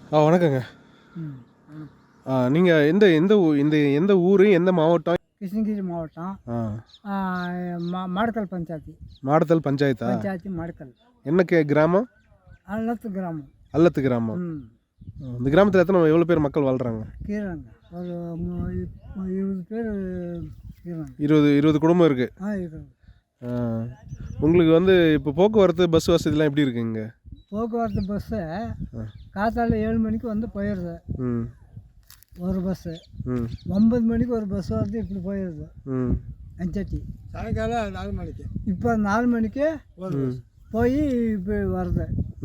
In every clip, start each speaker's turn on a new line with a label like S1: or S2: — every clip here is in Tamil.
S1: வணக்கங்க.
S2: ம். ம்.
S1: நீங்க எந்த ஊரு, எந்த மாவட்டம்?
S2: கிருஷ்ணகிரி மாவட்டம்.
S1: ஆ.
S2: மாடுக்கல் பஞ்சாயத்து.
S1: மாடத்தல் பஞ்சாயத்தா?
S2: பஞ்சாயத்து மாடுக்கல்.
S1: என்ன கிராமம்?
S2: அல்லத்து கிராமம்.
S1: அல்லத்து கிராமம்.
S2: ம்.
S1: இந்த கிராமத்தில் எவ்வளோ பேர் மக்கள் வாழ்கிறாங்க?
S2: கீழங்க ஒரு 20 பேர் கீழங்க.
S1: 20 குடும்பம் இருக்குது.
S2: இருக்குது.
S1: உங்களுக்கு இப்போ போக்குவரத்து பஸ் வசதிலாம் எப்படி இருக்குங்க?
S2: போக்குவரத்து பஸ்ஸு காத்தால 7 மணிக்கு வந்து போயிடுது.
S1: ம்.
S2: ஒரு பஸ்ஸு. 9 மணிக்கு ஒரு பஸ் வருது, இப்படி போயிடுது. அஞ்சட்டி சாயங்காலம் 4 மணிக்கு. இப்போ 4 மணிக்கு போய் இப்படி வருது.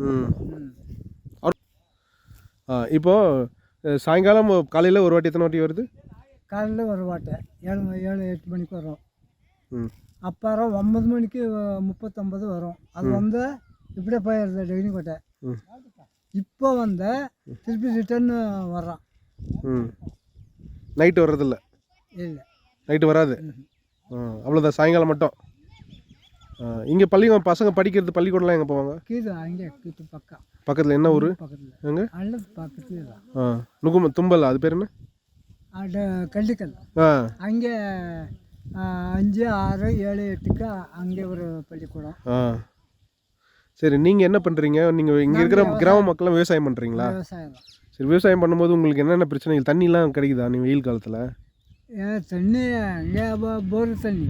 S1: இப்போது சாயங்காலம் காலையில் ஒரு வாட்டி எத்தனை வாட்டி வருது?
S2: காலையில் ஒரு வாட்டி 7-8 மணிக்கு வரும். அப்புறம் 9 மணிக்கு 39 வரும். அது வந்து இப்படியே போயிடுது டெய்னிக்கோட்டை. இப்போ வந்து திருப்பி ரிட்டர்ன் வர்றான்.
S1: நைட்டு வர்றதில்ல?
S2: இல்லை,
S1: நைட்டு வராது. அவ்வளோதான், சாயங்காலம் மட்டும். இங்கே பசங்க படிக்கிறது பள்ளிக்கூடம்லாம் எங்கே போவாங்க?
S2: கீது அங்கே கீது
S1: பக்கத்தில். என்ன ஊர்?
S2: பக்கத்தில்
S1: எங்கே?
S2: அல்லது பக்கத்தில்
S1: தும்பல், அது பேர் என்ன?
S2: கள்ளிக்கல். அங்கே 5, 6, 7, 8க்கு அங்கே ஒரு பள்ளிக்கூடம்.
S1: சரி, நீங்கள் என்ன பண்ணுறீங்க? நீங்கள் இங்கே இருக்கிற கிராம மக்கள்லாம் விவசாயம் பண்ணுறீங்களா?
S2: விவசாயம்.
S1: சரி, விவசாயம் பண்ணும்போது உங்களுக்கு என்னென்ன பிரச்சனைகள்? தண்ணிலாம் கிடைக்குதா நீங்கள் வெயில் காலத்தில்?
S2: தண்ணி அங்கே போர் தண்ணி.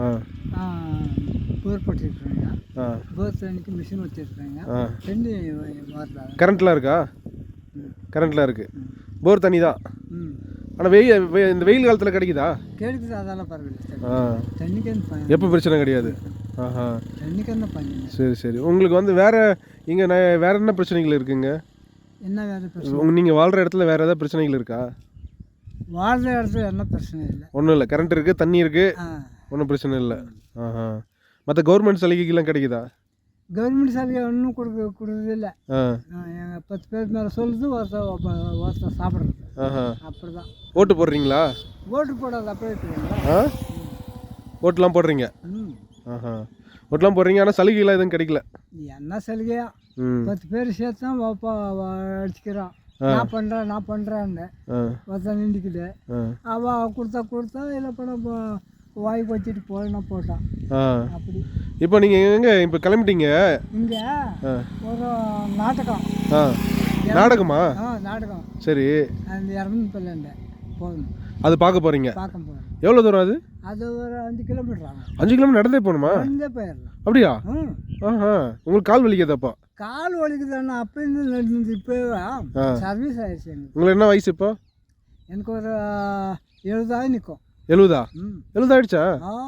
S2: போர் போட்டிருக்காங்க. போர் தண்ணிக்கு மிஷின் வச்சுருக்காங்க. தண்ணி வரல.
S1: கரண்ட்லாம் இருக்கா? கரண்ட்லாம் இருக்குது. போர் தண்ணி தான். ஆனால் இந்த வெயில் காலத்தில் கிடைக்குதா?
S2: கிடைக்குது, அதெல்லாம் பரவாயில்ல. தண்ணிக்கு
S1: எப்போ பிரச்சனை கிடையாது.
S2: தண்ணிக்கு என்ன பண்ணி.
S1: சரி சரி. உங்களுக்கு இங்கே வேறு என்ன பிரச்சனைகள் இருக்குங்க?
S2: என்ன வேறு பிரச்சனை?
S1: நீங்கள் வாழ்கிற இடத்துல வேறு ஏதாவது பிரச்சனைகள் இருக்கா?
S2: வாழ்கிற இடத்துல என்ன பிரச்சனை இல்லை.
S1: ஒன்றும் இல்லை, கரண்ட் இருக்குது, தண்ணி இருக்குது, ஒன்றும் பிரச்சனை இல்லை. மற்ற கவர்மெண்ட் சலுகைகள்லாம் கிடைக்குதா?
S2: கவர்மெண்ட் சலுகை ஒன்றும் கொடுக்குறதில்ல. 10 பேர் மேலே சொல்லுது, ஒருத்தர் சாப்பிட்றது. அப்படி தான்.
S1: ஓட்டு போடுறீங்களா?
S2: ஓட்டு போடாது, அப்படியே இருக்குங்களா?
S1: ஓட்டுலாம் போடுறீங்க? ஓட்டுலாம் போடுறீங்க, ஆனால் சலுகைலாம் எதுவும் கிடைக்கல.
S2: என்ன சலுகையா? 10 பேர் சேர்த்து தான் அடிச்சுக்கிறான். நான் பண்ணுறேன்னு ஒருத்தன் நின்றுக்குது. அவள் கொடுத்தா இல்லை படம் வாய்க்கு வச்சுட்டு போட்டான். அப்படி.
S1: இப்போ நீங்கள் எங்கே இப்போ கிளம்பிட்டீங்க?
S2: இங்கே ஒரு நாடகம்.
S1: நாடகமா?
S2: நாடகம்.
S1: சரி.
S2: அந்த இறந்து போகணும்.
S1: அது பார்க்க போகிறீங்க?
S2: பார்க்க போகிறேன்.
S1: எவ்வளோ தூரம் அது?
S2: அது ஒரு 5 கிலோமீட்டர் ஆகும்.
S1: 5 கிலோமீட்டர் நடந்தே போகணுமா?
S2: நடந்தே போயிடலாம்.
S1: அப்படியா? உங்களுக்கு கால் வலிக்குதாப்பா?
S2: கால் வலிக்குதாண்ணா? அப்போ இருந்து இப்போ சர்வீஸ் ஆயிடுச்சு.
S1: உங்களுக்கு என்ன வயசு இப்போ?
S2: எனக்கு ஒரு 70 நிற்கும்.
S1: 70? 70 ஆயிடுச்சா?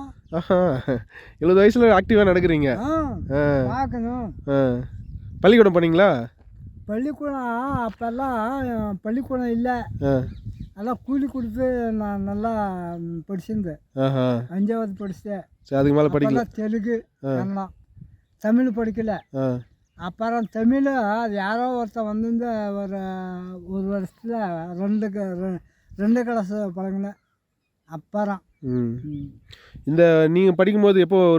S1: 70 வயசுல ஆக்டிவாக நடக்கிறீங்க.
S2: பார்க்கணும்.
S1: பள்ளிக்கூடம் போனீங்களா?
S2: பள்ளிக்கூடம் அப்போல்லாம் பள்ளிக்கூடம் இல்லை. நல்லா கூலி கொடுத்து நான் நல்லா படிச்சிருந்தேன். 5வது படித்தேன்.
S1: அதுக்கு மேலே படிக்கல?
S2: தெலுங்கு, கன்னடம், தமிழ் படிக்கல. அப்புறம் தமிழ் அது யாரோ ஒருத்தன் வந்து ஒரு வருஷத்தில் 2 கிளாஸ் பழகினேன். அப்புறம்
S1: இந்த நீங்கள் படிக்கும்போது எப்போ ஒரு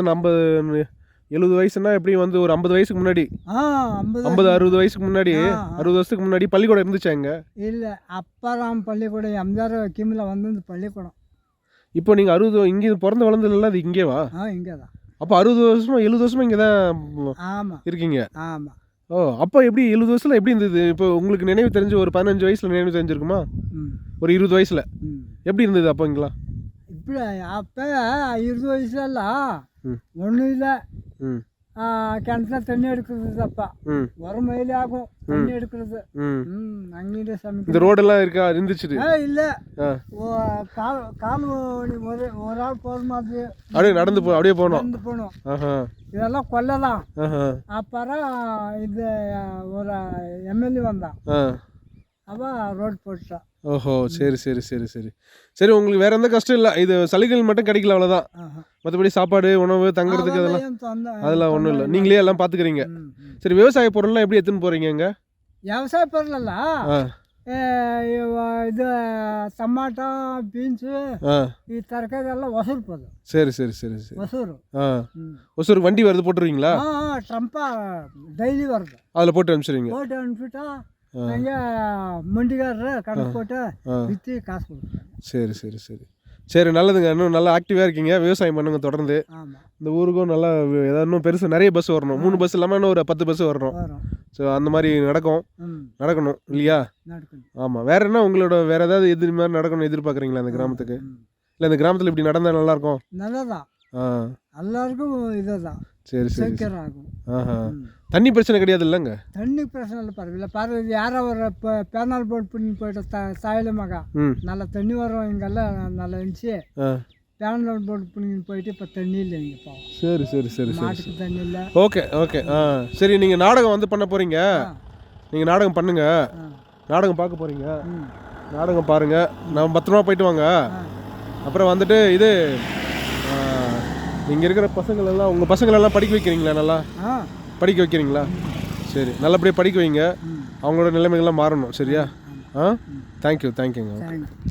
S1: 70 வயசுன்னா எப்படியும் ஒரு 50 வயசுக்கு முன்னாடி, 50-60 வயசுக்கு முன்னாடி, 60 வருஷத்துக்கு முன்னாடி பள்ளிக்கூடம் இருந்துச்சா இங்கே?
S2: இல்லை, அப்புறம் பள்ளிக்கூடம் எம்ஜிஆர் கிமில் வந்து பள்ளிக்கூடம்.
S1: இப்போ நீங்கள் 60 இங்கே பிறந்து வளர்ந்ததுல அது இங்கேவா?
S2: இங்கே தான்.
S1: அப்போ 60 வருஷமா 70 வருஷமா இங்கே தான் இருக்கீங்க?
S2: ஆமாம்.
S1: அப்போ எப்படி 70 வயசில் எப்படி இருந்தது? இப்போ உங்களுக்கு நினைவு தெரிஞ்சு ஒரு 15 வயசில் நினைவு தெரிஞ்சிருக்குமா? ஒரு 20 வயசில் எப்படி இருந்தது அப்போ இங்கெல்லாம்?
S2: இப்படி அப்போ 20 வயசுலலாம் ஒன்றும் இல்லை. கிணத்துல தண்ணி எடுக்கிறது அப்பா ஒரு மைல் ஆகும் தண்ணி எடுக்கிறது. அங்கே சமைக்க
S1: இந்த ரோடெல்லாம் இருக்கா? இருந்துச்சு?
S2: இல்லை, கால் ஒரு ஆள் போகிற மாதிரி
S1: அப்படியே அப்படியே போகணும்.
S2: இதெல்லாம் கொல்லலாம். அப்புறம் இது ஒரு எம்எல்ஏ வந்தான், அவன் ரோடு போட்டுட்டான்.
S1: ஓஹோ, சரி சரி சரி சரி சரி. உங்களுக்கு வேற எந்த கஷ்டம் இல்லை? இது சலுகைகள் மட்டும் கிடைக்கல, அவ்வளோதான். மற்றபடி சாப்பாடு, உணவு, தங்குறதுக்கு அதெல்லாம் ஒன்றும் இல்லை, நீங்களே எல்லாம் பார்த்துக்கிறீங்க. சரி, விவசாய பொருள்லாம் எப்படி எடுத்துன்னு போகிறீங்க? இங்கே
S2: விவசாய பொருளெல்லாம் இது டமாட்டோ, பீன்ஸு, ಈ ತರಕಾರಿ ಎಲ್ಲ ಹೊಸೂರು போதும்.
S1: சரி சரி சரி சரி.
S2: ಹೊಸೂರು.
S1: ಹೊಸೂರು வண்டி வருது, போட்டுருவீங்களா?
S2: ಟ್ರಂಪ ಡೈಲಿ வருது.
S1: அதில் போட்டு அனுப்பிச்சிடுவீங்க?
S2: போட்டு அனுப்பிட்டா எங்கள் மண்டிக்காரரை கணக்கு போட்டு விற்று காசு கொடுக்குறாங்க.
S1: சரி சரி சரி சரி நல்லதுங்க. இன்னும் நல்லா ஆக்டிவாக இருக்கீங்க. விவசாயம் பண்ணுங்க தொடர்ந்து.
S2: ஆமாம்
S1: இந்த ஊருக்கும் நல்லா ஏதாவது இன்னும் பெருசு நிறைய பஸ் வரணும். 3 பஸ் இல்லாமல் இன்னும் ஒரு 10 பஸ் வரணும்.
S2: வரும்.
S1: ஸோ அந்த மாதிரி நடக்கணும் இல்லையா?
S2: நடக்கணும்.
S1: ஆமாம். வேற என்ன உங்களோட வேற ஏதாவது இது மாதிரி நடக்கணும்னு எதிர்பார்க்குறீங்களா இந்த கிராமத்துக்கு? இல்லை இந்த கிராமத்தில் இப்படி நடந்தால் நல்லாயிருக்கும்.
S2: நல்லதான். எல்லாருக்கும் இதுதான்
S1: சரி சரி
S2: சீக்கிரம் ஆகும்.
S1: ஆஹா. தண்ணி பிரச்சனை கிடையாது இல்லைங்க?
S2: தண்ணி பிரச்சனை இல்லை, பரவாயில்ல. பரவாயில்ல, யாரோ ஒரு இப்போ பேனால் போட் பண்ணி போயிட்டு சாயலமாக நல்லா தண்ணி வரும். இங்கெல்லாம் நல்லா இருந்துச்சு. பேனால் போட் பண்ணி போயிட்டு இப்போ தண்ணி இல்லை இங்கே. இப்போ
S1: சரி சரி சரி சரி
S2: மாட்டுக்கு தண்ணி இல்லை.
S1: Okay okay. சரி நீங்கள் நாடகம் வந்து பண்ண போகிறீங்க. நீங்கள் நாடகம் பண்ணுங்க. நாடகம் பார்க்க போகிறீங்க. நாடகம் பாருங்கள். நான் பத்திரமா போயிட்டு வாங்க. அப்புறம் வந்துட்டு இது இங்கே இருக்கிற பசங்களெல்லாம் உங்கள் பசங்களெல்லாம் படிக்க வைக்கிறீங்களா? நல்லா படிக்க வைக்கிறீங்களா? சரி நல்லபடியாக படிக்க வைங்க. அவங்களோட நிலைமைகள்லாம் மாறணும். சரியா? தேங்க்யூ தேங்க்யூங்க.